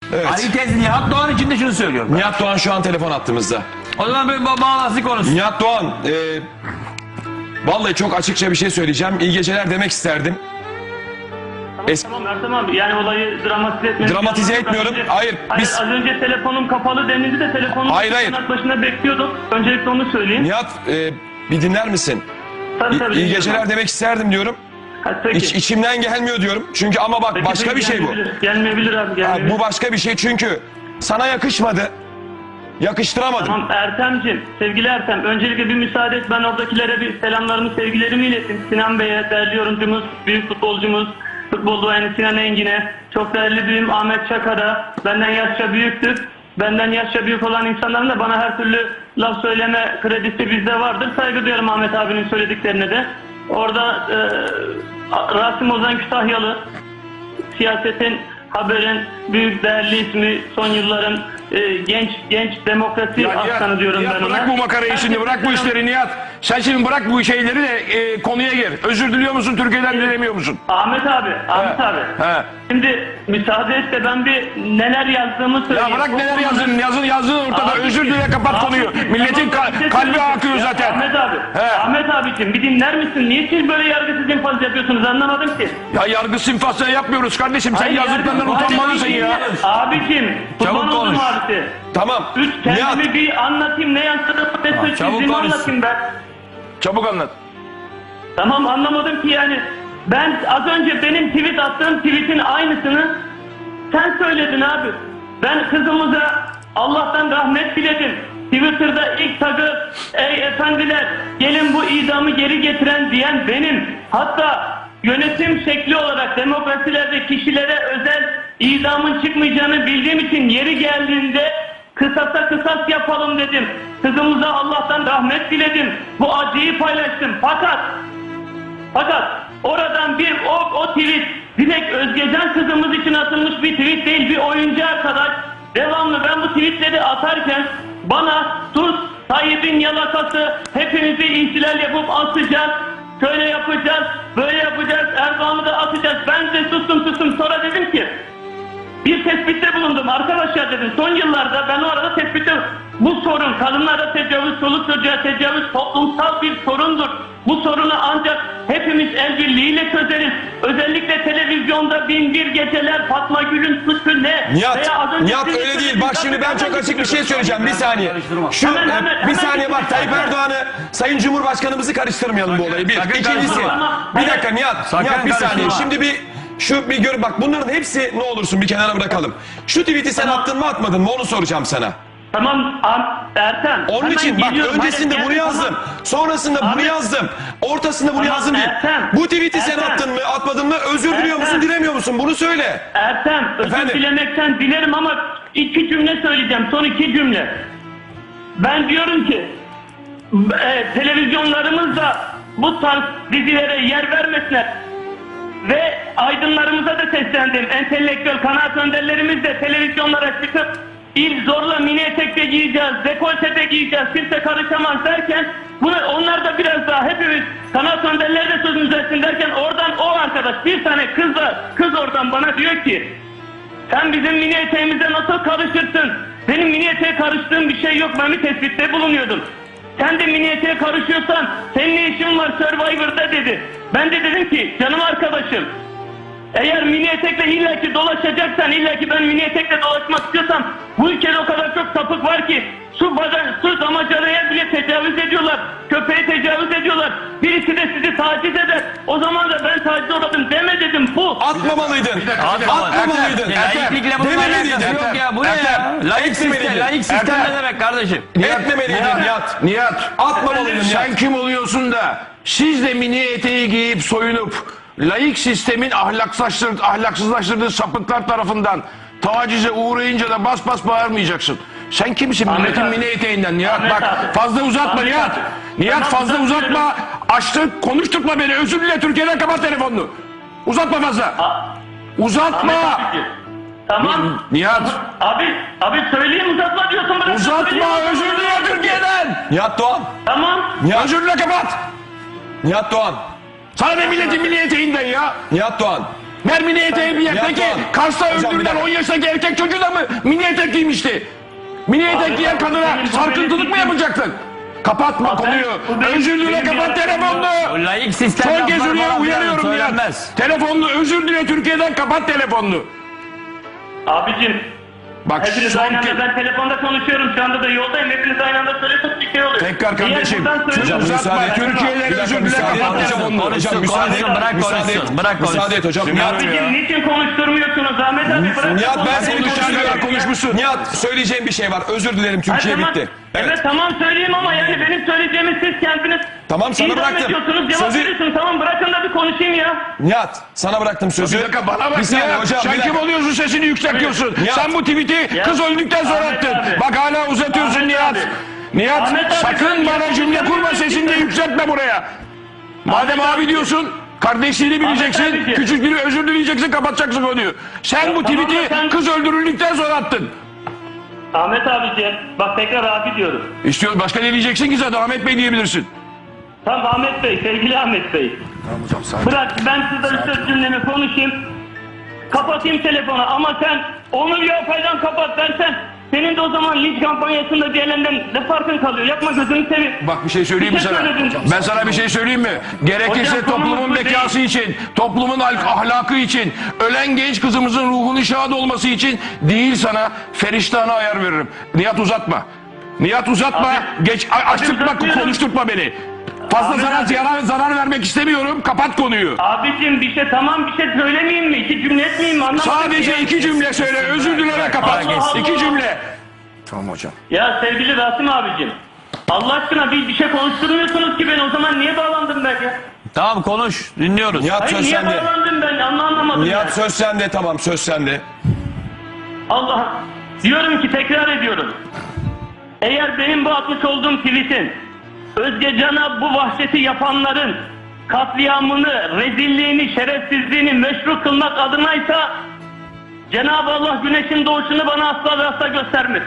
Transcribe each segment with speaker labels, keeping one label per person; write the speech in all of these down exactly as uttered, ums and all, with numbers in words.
Speaker 1: Evet.
Speaker 2: Ali Tez Nihat Doğan için de şunu söylüyorum.
Speaker 1: Nihat Doğan şu an telefon attığımızda.
Speaker 2: O zaman bir ba bağlantı konusu.
Speaker 1: Nihat Doğan, e, vallahi çok açıkça bir şey söyleyeceğim. İyi geceler demek isterdim. Es
Speaker 3: Tamam Ertem abi, yani olayı dramatize etmeyin.
Speaker 1: Dramatize etmiyorum. Hayır,
Speaker 3: Hayır,
Speaker 1: biz-
Speaker 3: az önce telefonum kapalı denildi de telefonum
Speaker 1: Hayır, hayır.
Speaker 3: başına bekliyorduk. Öncelikle onu söyleyeyim.
Speaker 1: Nihat, e, bir dinler misin?
Speaker 3: Tabii,
Speaker 1: İyi,
Speaker 3: tabii,
Speaker 1: iyi
Speaker 3: dinliyorum.
Speaker 1: geceler demek isterdim diyorum.
Speaker 3: Ha, peki.
Speaker 1: İç, içimden gelmiyor diyorum. Çünkü ama bak
Speaker 3: Peki,
Speaker 1: başka
Speaker 3: peki,
Speaker 1: bir şey bu.
Speaker 3: gelmeyebilir. Gelmeyebilir abi,
Speaker 1: Ha,
Speaker 3: gelmeyebilir.
Speaker 1: bu başka bir şey çünkü sana yakışmadı. Yakıştıramadım.
Speaker 3: Tamam Ertem'cim, sevgili Ertem, öncelikle bir müsaade et, ben oradakilere bir selamlarımı, sevgilerimi ilettim. Sinan Bey'e, değerli yorumcumuz, büyük futbolcumuz, futbol duayeni Sinan Engin'e, çok değerli büyüğüm Ahmet Çakar'a, benden yaşça büyüktür. Benden yaşça büyük olan insanların da bana her türlü laf söyleme kredisi bizde vardır. Saygı duyuyorum Ahmet abinin söylediklerine de. Orada e, Rasim Ozan Kütahyalı, siyasetin, haberin büyük değerli ismi, son yılların e, genç genç demokrasi
Speaker 4: Ya Nihat,
Speaker 3: aslanı diyorum
Speaker 4: Nihat,
Speaker 3: ben ona.
Speaker 4: bırak bu makarayı şimdi, bırak bu işleri Nihat. Sen şimdi bırak bu şeyleri de e, konuya gir. Özür diliyor musun, Türkiye'den dilemiyor musun?
Speaker 3: Ahmet abi, Ahmet
Speaker 4: He,
Speaker 3: abi.
Speaker 4: he.
Speaker 3: Şimdi müsaade et de ben bir neler yazdığımı söyleyeyim.
Speaker 4: Ya bırak
Speaker 3: Bu
Speaker 4: neler
Speaker 3: konuda-
Speaker 4: yazdın, yazın yazdın ortada.
Speaker 3: Abiciğim,
Speaker 4: Özür dile, kapat konuyu.
Speaker 3: abiciğim,
Speaker 4: Milletin
Speaker 3: tamam,
Speaker 4: ka-
Speaker 3: bir şey
Speaker 4: kalbi
Speaker 3: söyleyeceğim.
Speaker 4: akıyor
Speaker 3: Ya
Speaker 4: zaten.
Speaker 3: Ahmet abi,
Speaker 4: He.
Speaker 3: Ahmet abiciğim bir dinler misin? Niye siz böyle yargısız infaz yapıyorsunuz, anlamadım ki.
Speaker 4: Ya yargı sinfasını yapmıyoruz kardeşim. Sen
Speaker 3: Hayır,
Speaker 4: yazdıklarından
Speaker 3: yargı-
Speaker 4: utanmalısın
Speaker 3: Hayır,
Speaker 4: ya.
Speaker 3: Abiciğim, kurban
Speaker 2: Çabuk
Speaker 3: oldum
Speaker 2: konuş.
Speaker 3: abisi.
Speaker 1: Tamam.
Speaker 3: Üç kendimi
Speaker 1: Nihat,
Speaker 3: bir anlatayım, ne yansıdığımı, ne
Speaker 2: çabuk
Speaker 3: suçsuzluğumu
Speaker 2: konuş.
Speaker 3: anlatayım ben.
Speaker 4: Çabuk anlat.
Speaker 3: Tamam, anlamadım ki yani. Ben az önce benim tweet attığım tweetin aynısını sen söyledin abi. Ben kızımıza Allah'tan rahmet diledim. Twitter'da ilk tagı ey efendiler gelin bu idamı geri getiren diyen benim. Hatta yönetim şekli olarak demokrasilerde kişilere özel idamın çıkmayacağını bildiğim için yeri geldiğinde kısasa kısas yapalım dedim. Kızımıza Allah'tan rahmet diledim. Bu acıyı paylaştım. Fakat Fakat oradan bir o, o tweet direkt Özgecan kızımız için atılmış bir tweet değil, bir oyuncu arkadaş. Devamlı ben bu tweetleri atarken bana sus Tayyip'in yalakası, hepimizi ihtilal yapıp atacağız, şöyle yapacağız, böyle yapacağız, Erdoğan'ı da atacağız. Ben de sustum sustum, sonra dedim ki bir tespitte bulundum arkadaşlar dedim. Son yıllarda ben o arada tespitte bu sorun, kadınlara tecavüz, çoluk çocuğa tecavüz toplumsal bir sorundur. Bu sorunu ancak hepimiz el birliğiyle çözeriz. Özellikle televizyonda bin bir geceler, Fatma Gül'ün suçu ne?
Speaker 1: Nihat,
Speaker 3: Veya az önce
Speaker 1: Nihat
Speaker 3: siz
Speaker 1: öyle değil.
Speaker 3: söylediniz.
Speaker 1: Bak şimdi ben çok açık bir şey söyleyeceğim. Bir saniye. Şu
Speaker 3: Hemen,
Speaker 1: e,
Speaker 3: hemen,
Speaker 1: bir
Speaker 3: hemen
Speaker 1: saniye bak,
Speaker 3: bir
Speaker 1: Tayyip
Speaker 3: saniye.
Speaker 1: Erdoğan'ı, Sayın Cumhurbaşkanımızı karıştırmayalım bu olayı. Bir.
Speaker 2: sakın
Speaker 1: İkincisi.
Speaker 2: karıştırma.
Speaker 1: Bir dakika Nihat.
Speaker 2: Sakın
Speaker 1: Nihat bir saniye.
Speaker 2: karıştırma.
Speaker 1: Şimdi bir şu bir gör bak, bunların hepsi ne olursun bir kenara bırakalım. Şu tweet'i sen
Speaker 3: Tamam.
Speaker 1: attın mı atmadın mı onu soracağım sana.
Speaker 3: Tamam Am- Ertem.
Speaker 1: Onun
Speaker 3: hemen
Speaker 1: için bak
Speaker 3: geliyorum.
Speaker 1: öncesinde
Speaker 3: Hayır,
Speaker 1: bunu
Speaker 3: gel-
Speaker 1: yazdım.
Speaker 3: tamam.
Speaker 1: Sonrasında bunu
Speaker 3: Ahmet.
Speaker 1: yazdım. Ortasında bunu
Speaker 3: Tamam,
Speaker 1: yazdım diye.
Speaker 3: Ertem.
Speaker 1: Bu tweet'i sen
Speaker 3: Ertem.
Speaker 1: attın mı atmadın mı, özür diliyor musun
Speaker 3: Ertem.
Speaker 1: dilemiyor musun, bunu söyle.
Speaker 3: Ertem, özür
Speaker 1: Efendim?
Speaker 3: dilemekten dilerim ama iki cümle söyleyeceğim. Son iki cümle. Ben diyorum ki e, televizyonlarımızda bu tarz dizilere yer vermesinler. Ve aydınlarımıza da seslendim. Entelektüel kanaat önderlerimiz de televizyonlara çıkıp il zorla mini etekte giyeceğiz, dekoltede giyeceğiz, kimse karışamaz derken bunu onlar da biraz daha hepimiz kanaat önderleri de sözümüz etsin derken oradan o arkadaş bir tane kız da kız oradan bana diyor ki sen bizim mini eteğimize nasıl karışırsın? Benim mini eteğe karıştığım bir şey yok. Ben bir tespitte bulunuyordum. Sen de mini eteğe karışıyorsan senin ne işin var Survivor'da dedi. Ben de dedim ki canım arkadaşım eğer mini etekle illaki dolaşacaksan, illaki ben mini etekle dolaşmak istiyorsam bu ülkede o kadar çok sapık var ki su badan, su damacanaya bile tecavüz ediyorlar. Köpeğe tecavüz ediyorlar. Birisi de sizi taciz eder. O zaman da ben taciz uğradım deme dedim bu.
Speaker 1: Atmamalıydın. Atmamalıydın.
Speaker 2: Laiklikle bunun
Speaker 1: Dememeliydin.
Speaker 2: alakası yok ya. Bu ne ya?
Speaker 1: Ertem,
Speaker 2: Laik
Speaker 1: etmemeliydin.
Speaker 2: sistem, laik sistem
Speaker 4: Ertem.
Speaker 2: ne demek kardeşim?
Speaker 1: Etmemeliydin Nihat.
Speaker 4: Nihat.
Speaker 1: Atmamalıydın
Speaker 4: Sen
Speaker 1: Nihat.
Speaker 4: kim oluyorsun da siz de mini eteği giyip soyunup laik sistemin ahlaksızlaştırdığı, ahlaksızlaştırdığı sapıklar tarafından tacize uğrayınca da bas bas bağırmayacaksın. Sen kimsin
Speaker 3: Ahmet
Speaker 4: milletin
Speaker 3: abi.
Speaker 4: mini eteğinden Nihat?
Speaker 3: Ahmet
Speaker 4: Bak
Speaker 3: abi.
Speaker 4: fazla uzatma
Speaker 3: Ahmet
Speaker 4: Nihat.
Speaker 3: abi.
Speaker 4: Nihat
Speaker 3: Tamam,
Speaker 4: fazla
Speaker 3: uzatmıyorum.
Speaker 4: uzatma. Açtık konuşturma beni. Özür dile, Türkiye'den kapat telefonunu. Uzatma fazla.
Speaker 3: A-
Speaker 4: Uzatma.
Speaker 3: Ahmet abiciğim. Tamam.
Speaker 4: Nihat
Speaker 3: Abi, abi söyleyeyim uzatma diyorsun. bırak
Speaker 4: uzatma,
Speaker 3: söyleyeyim.
Speaker 4: özür dile Türkiye'den.
Speaker 1: Nihat Doğan.
Speaker 3: Tamam.
Speaker 1: Nihat,
Speaker 4: Özür dile, kapat.
Speaker 1: Nihat Doğan.
Speaker 4: Sana ne milletin mini eteğinden ya.
Speaker 1: Nihat Doğan.
Speaker 4: Ver mini eteği bir yer.
Speaker 1: Nihat
Speaker 4: Peki
Speaker 1: Doğan.
Speaker 4: Kars'ta
Speaker 1: Hocam, bir
Speaker 4: öldürülen
Speaker 1: dakika.
Speaker 4: on yaşındaki erkek çocuğu da mı mini etek giymişti? Mini etek giyen
Speaker 3: abi,
Speaker 4: kadına
Speaker 3: benim bu
Speaker 4: sarkıntılık
Speaker 3: benim
Speaker 4: mı yapacaksın? Kapatma
Speaker 3: Abi ben-
Speaker 4: konuyu.
Speaker 3: bu benim-
Speaker 4: Özür dile,
Speaker 3: benim
Speaker 4: kapat
Speaker 3: bir
Speaker 4: telefonunu.
Speaker 2: O laik sistem
Speaker 4: Son kez
Speaker 2: lafları
Speaker 4: uyar-
Speaker 2: falan
Speaker 4: uyarıyorum
Speaker 2: söylenmez.
Speaker 4: Nihat. Telefonunu özür dile, Türkiye'den kapat telefonunu.
Speaker 3: Abicim
Speaker 4: Bak
Speaker 3: hepiniz
Speaker 4: son
Speaker 3: aynı
Speaker 4: kez.
Speaker 3: anda ben telefonda konuşuyorum şu anda da yoldayım. Hepiniz aynı anda söylüyorsunuz bir şey oluyor.
Speaker 4: Tekrar
Speaker 3: Diğer
Speaker 4: kardeşim.
Speaker 3: buradan söylüyorum.
Speaker 1: Hocam,
Speaker 4: Uzatma.
Speaker 1: müsaade-
Speaker 4: Türkiye'den
Speaker 1: Bir dakika,
Speaker 4: özür dile,
Speaker 1: müsaade
Speaker 4: kapat
Speaker 1: et hocam.
Speaker 4: telefonunu.
Speaker 1: Hocam,
Speaker 2: Konuşsun,
Speaker 1: müsaade et.
Speaker 2: konuşsun, bırak
Speaker 1: Müsaade et.
Speaker 2: konuşsun, bırak konuşsun.
Speaker 1: Müsaade et hocam.
Speaker 4: Dinliyorum
Speaker 1: Nihat,
Speaker 4: ya.
Speaker 3: Abicim niçin konuşturmuyorsunuz Ahmet abi? Bırak
Speaker 1: Nihat ben
Speaker 3: konuşayım.
Speaker 1: seni
Speaker 4: konuşan
Speaker 1: konuşturuyorum.
Speaker 4: kadar konuşmuşsun.
Speaker 1: Nihat söyleyeceğim bir şey var. Özür dilerim, Türkiye
Speaker 3: Ha, tamam.
Speaker 1: bitti.
Speaker 3: Evet.
Speaker 1: Evet.
Speaker 3: tamam söyleyeyim ama yani benim söyleyeceğimi siz kendiniz
Speaker 1: Tamam, sana
Speaker 3: idam
Speaker 1: bıraktım.
Speaker 3: ediyorsunuz, cevap
Speaker 1: Sözü-
Speaker 3: veriyorsunuz. Tamam bırakın da bir konuşayım ya.
Speaker 1: Nihat sana bıraktım sözü.
Speaker 4: Bir dakika bana bak
Speaker 1: Bir saniye
Speaker 4: ya.
Speaker 1: hocam.
Speaker 4: Sen
Speaker 1: bir
Speaker 4: kim
Speaker 1: dakika.
Speaker 4: oluyorsun, sesini yükseltiyorsun.
Speaker 1: Nihat.
Speaker 4: Sen bu tweet'i
Speaker 3: Ya.
Speaker 4: kız öldükten sonra
Speaker 3: Ahmet
Speaker 4: attın.
Speaker 3: abi.
Speaker 4: Bak hala uzatıyorsun
Speaker 3: Ahmet
Speaker 4: Nihat.
Speaker 3: abi.
Speaker 4: Nihat
Speaker 3: Ahmet abi,
Speaker 4: sakın
Speaker 3: sen
Speaker 4: bana
Speaker 3: Nihat'ı
Speaker 4: cümle kurma,
Speaker 3: tanımıyorsun.
Speaker 4: sesini de yükseltme buraya. Madem
Speaker 3: Ahmet
Speaker 4: abi
Speaker 3: abi.
Speaker 4: diyorsun, kardeşliğini bileceksin,
Speaker 3: abiciğim.
Speaker 4: küçük biri özür dileyeceksin, kapatacaksın konuyu. Sen bu
Speaker 3: tamam da
Speaker 4: tweet'i
Speaker 3: sen-
Speaker 4: kız öldürüldükten sonra attın.
Speaker 3: Ahmet abiciğim bak tekrar abi diyorum.
Speaker 4: İstiyor, başka ne diyeceksin ki zaten Ahmet Bey diyebilirsin.
Speaker 3: Tamam Ahmet Bey, sevgili Ahmet Bey. Bırak ben size söz cümlemi konuşayım. Kapatayım telefonu ama sen onu bir yapaydan kapat dersen senin de o zaman linç kampanyasında diğerlerinden ne farkın kalıyor? Yapma gözünü seveyim.
Speaker 4: Bak bir şey söyleyeyim mi
Speaker 3: Bir şey
Speaker 4: sana?
Speaker 3: söyledin.
Speaker 4: Ben sana bir şey söyleyeyim mi? Gerekirse
Speaker 3: Hocam,
Speaker 4: toplumun
Speaker 3: konumuz bu
Speaker 4: bekası
Speaker 3: değil.
Speaker 4: için, toplumun al- ahlakı için, ölen genç kızımızın ruhunun şad olması için değil sana feriştahına ayar veririm. Nihat uzatma. Nihat uzatma.
Speaker 3: Abi,
Speaker 4: Geç a- açtırtma,
Speaker 3: uzatmıyorum.
Speaker 4: konuşturtma beni. Fazla
Speaker 3: Abi,
Speaker 4: sana
Speaker 3: abi.
Speaker 4: zarar, zarar vermek istemiyorum. Kapat konuyu.
Speaker 3: Abicim bir şey tamam bir şey söylemeyeyim mi? İki cümle etmeyeyim mi? Anlamadım
Speaker 4: Sadece
Speaker 3: ki.
Speaker 4: iki cümle söyle. Özür dilere kapat.
Speaker 3: Allah Allah.
Speaker 4: İki cümle.
Speaker 3: Ya sevgili Rasim abicim. Allah aşkına bir, bir şey konuşturmuyorsunuz ki ben o zaman niye bağlandım ben ya?
Speaker 2: Tamam konuş, dinliyoruz.
Speaker 1: Nihat
Speaker 3: Hayır
Speaker 1: söz
Speaker 3: niye
Speaker 1: sende.
Speaker 3: bağlandım ben anla- anlamadım
Speaker 1: Nihat
Speaker 3: ya.
Speaker 1: söz sende, tamam söz sende.
Speaker 3: Allah diyorum ki tekrar ediyorum. Eğer benim bu atmış olduğum tweetin Özge Can'a bu vahşeti yapanların katliamını, rezilliğini, şerefsizliğini meşru kılmak adınaysa Cenab-ı Allah güneşin doğuşunu bana asla ve asla göstermez.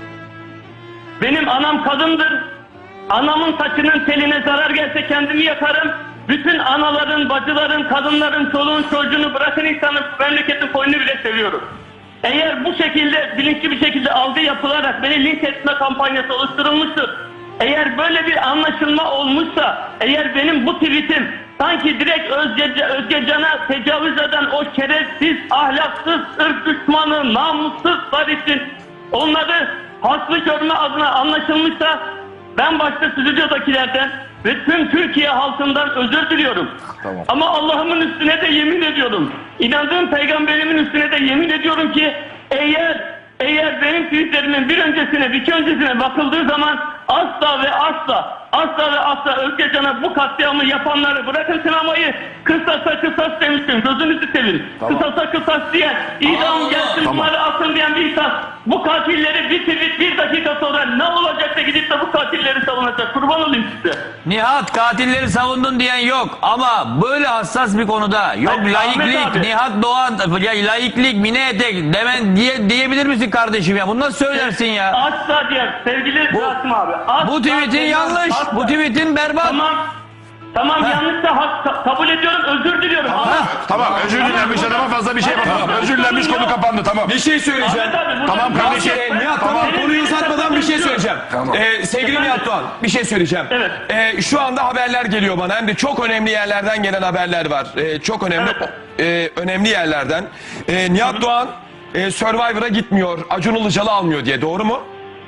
Speaker 3: Benim anam kadındır. Anamın saçının teline zarar gelse kendimi yakarım. Bütün anaların, bacıların, kadınların, çoluğun, çocuğunu bırakın insanın memleketin koyunu bile seviyorum. Eğer bu şekilde bilinçli bir şekilde algı yapılarak beni linç etme kampanyası oluşturulmuştur. Eğer böyle bir anlaşılma olmuşsa, eğer benim bu tweetim sanki direkt Özge, Özge Can'a tecavüz eden o şerefsiz, ahlaksız, ırk düşmanı, namussuzlar için onları haklı görme adına anlaşılmışsa ben başta stüdyodakilerden ve tüm Türkiye halkından özür diliyorum. Tamam. Ama Allah'ımın üstüne de yemin ediyorum. İnandığım peygamberimin üstüne de yemin ediyorum ki eğer eğer benim tweetlerimin bir öncesine bir iki öncesine bakıldığı zaman asla ve asla asla ve asla Özge Can'a bu katliamı yapanları bırakın sinemayı kısasa kısas demiştim. Gözünüzü sevin. Tamam. Kısasa kısas diyen idam gelsin
Speaker 4: Tamam.
Speaker 3: bunları atın diyen bir insan bu katilleri bir tweet bir dakika sonra ne olacak da gidip de bu katilleri savunacak. Kurban olayım size.
Speaker 2: Nihat katilleri savundun diyen yok ama böyle hassas bir konuda yok
Speaker 3: Hayır, Ahmet
Speaker 2: laiklik,
Speaker 3: abi.
Speaker 2: Nihat Doğan ya laiklik, mini etek demen diye diyebilir misin kardeşim ya? Bunu nasıl söylersin ya?
Speaker 3: Asla diyen sevgili
Speaker 2: Bu-
Speaker 3: Rasim abi. Asla
Speaker 2: Bu tweetin
Speaker 3: diyen,
Speaker 2: yanlış,
Speaker 3: asla.
Speaker 2: bu tweetin berbat.
Speaker 3: Tamam. Tamam yanlışsa hak, ka- kabul ediyorum özür diliyorum ama
Speaker 4: Tamam, özür dilenmiş adama fazla bir şey yapamam. Özür dilenmiş, konu kapandı, tamam.
Speaker 1: Bir şey söyleyeceğim.
Speaker 3: Ahmet abi, burada-
Speaker 4: Tamam kardeşim.
Speaker 1: Ee, Nihat tamam,
Speaker 3: Tamam.
Speaker 1: konuyu uzatmadan bir şey söyleyeceğim. Ee, sevgili
Speaker 3: Efendim?
Speaker 1: Nihat Doğan bir şey söyleyeceğim.
Speaker 3: Evet.
Speaker 1: Ee, şu anda haberler geliyor bana hem de çok önemli yerlerden gelen haberler var. Ee, çok önemli
Speaker 3: Evet.
Speaker 1: e, önemli yerlerden. Ee, Nihat Doğan e, Survivor'a gitmiyor, Acun Ilıcalı almıyor diye, doğru mu?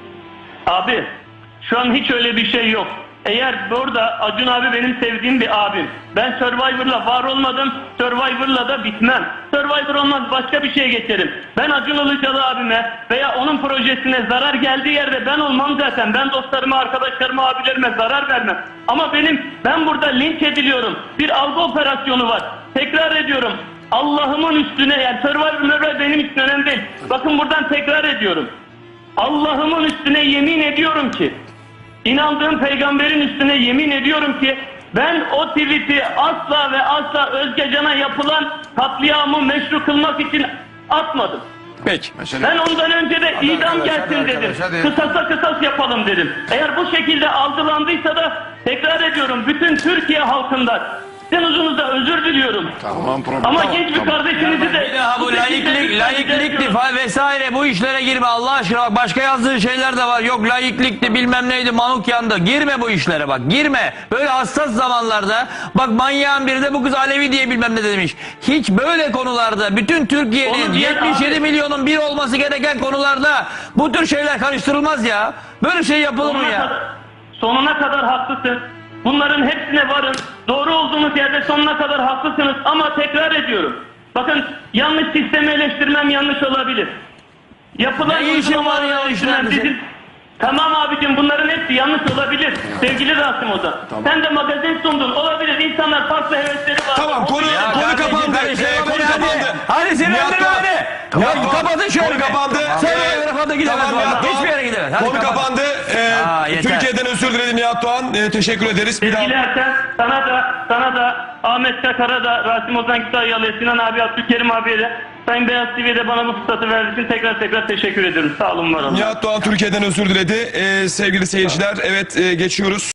Speaker 3: abi şu an hiç öyle bir şey yok. Eğer burada Acun abi benim sevdiğim bir abim. Ben Survivor'la var olmadım. Survivor'la da bitmem. Survivor olmaz başka bir şeye geçerim. Ben Acun Ilıcalı abime veya onun projesine zarar geldiği yerde ben olmam zaten. Ben dostlarıma, arkadaşlarıma, abilerime zarar vermem. Ama benim ben burada linç ediliyorum. Bir algı operasyonu var. Tekrar ediyorum. Allah'ımın üstüne yani Survivor benim için önemli değil. Bakın buradan tekrar ediyorum. Allah'ımın üstüne yemin ediyorum ki İnandığım peygamberin üstüne yemin ediyorum ki ben o tweet'i asla ve asla Özge Can'a yapılan katliamı meşru kılmak için atmadım.
Speaker 1: Peki.
Speaker 3: Ben ondan önce de idam gelsin dedim. Kısasa kısas yapalım dedim. Eğer bu şekilde algılandıysa da tekrar ediyorum bütün Türkiye halkından Sizin huzurunuzda özür diliyorum.
Speaker 4: Tamam, problem.
Speaker 3: Ama
Speaker 4: Tamam,
Speaker 3: genç bir
Speaker 4: tamam.
Speaker 3: kardeşinizi de...
Speaker 2: Bir daha bu
Speaker 3: şekilde
Speaker 2: laiklik,
Speaker 3: lütfen
Speaker 2: laiklikti
Speaker 3: ediyorum.
Speaker 2: falan vesaire bu işlere girme Allah aşkına. Bak başka yazdığı şeyler de var. Yok laiklikti bilmem neydi manuk yandı. Girme bu işlere bak girme. Böyle hassas zamanlarda bak manyağın biri de bu kız Alevi diye bilmem ne demiş. Hiç böyle konularda bütün Türkiye'nin
Speaker 3: Onu diyen
Speaker 2: yetmiş yedi
Speaker 3: abi-
Speaker 2: milyonun bir olması gereken konularda bu tür şeyler karıştırılmaz ya. Böyle şey yapılır mı
Speaker 3: Sonuna
Speaker 2: ya?
Speaker 3: kadar, sonuna kadar haklısın. Bunların hepsine varın. Doğru olduğunuz yerde sonuna kadar haklısınız. Ama tekrar ediyorum. Bakın yanlış sistemi eleştirmem yanlış olabilir. Yapılan
Speaker 2: Ne işin var ya
Speaker 3: uygulamaları
Speaker 2: işler
Speaker 3: eleştirmem
Speaker 2: bizim?
Speaker 3: Tamam abicim bunların hepsi yanlış olabilir. Sevgili Rasim Ozan. Sen de magazin sundun. Olabilir. İnsanlar farklı hevesleri var.
Speaker 1: Tamam konu,
Speaker 2: Ya
Speaker 1: konu
Speaker 2: kardeşim,
Speaker 1: kapandı.
Speaker 2: kardeşim,
Speaker 1: Ee, konu
Speaker 2: hadi.
Speaker 1: kapandı.
Speaker 2: Hadi sinirlendirme
Speaker 1: Nihat Doğan.
Speaker 2: beni. Ya
Speaker 1: Nihat Doğan,
Speaker 2: kapatın şöyle.
Speaker 1: konu
Speaker 2: bir.
Speaker 1: kapandı.
Speaker 2: Sen
Speaker 1: Ee,
Speaker 2: öyle rafa da gidemez.
Speaker 1: tamam, Nihat
Speaker 2: vallahi.
Speaker 1: Doğan.
Speaker 2: Hiçbir yere gidemez. Hadi
Speaker 1: Konu
Speaker 2: kapat.
Speaker 1: kapandı. Ee,
Speaker 2: Aa, yeter.
Speaker 1: Türkiye'den özür diledi Nihat Doğan. Ee, teşekkür ederiz. Bir daha.
Speaker 3: Sevgili Erten, sana da, sana da, Ahmet Çakar'a da, Rasim Ozan Kütahyalı'ya, Sinan abi, Abdülkerim abiye de, Sayın Beyaz T V'de bana bu fırsatı verdiğiniz için tekrar tekrar teşekkür ediyorum. Sağ olun, var olun.
Speaker 1: Nihat Doğan Türkiye'den özür diledi. Ee, sevgili seyirciler, evet e, geçiyoruz.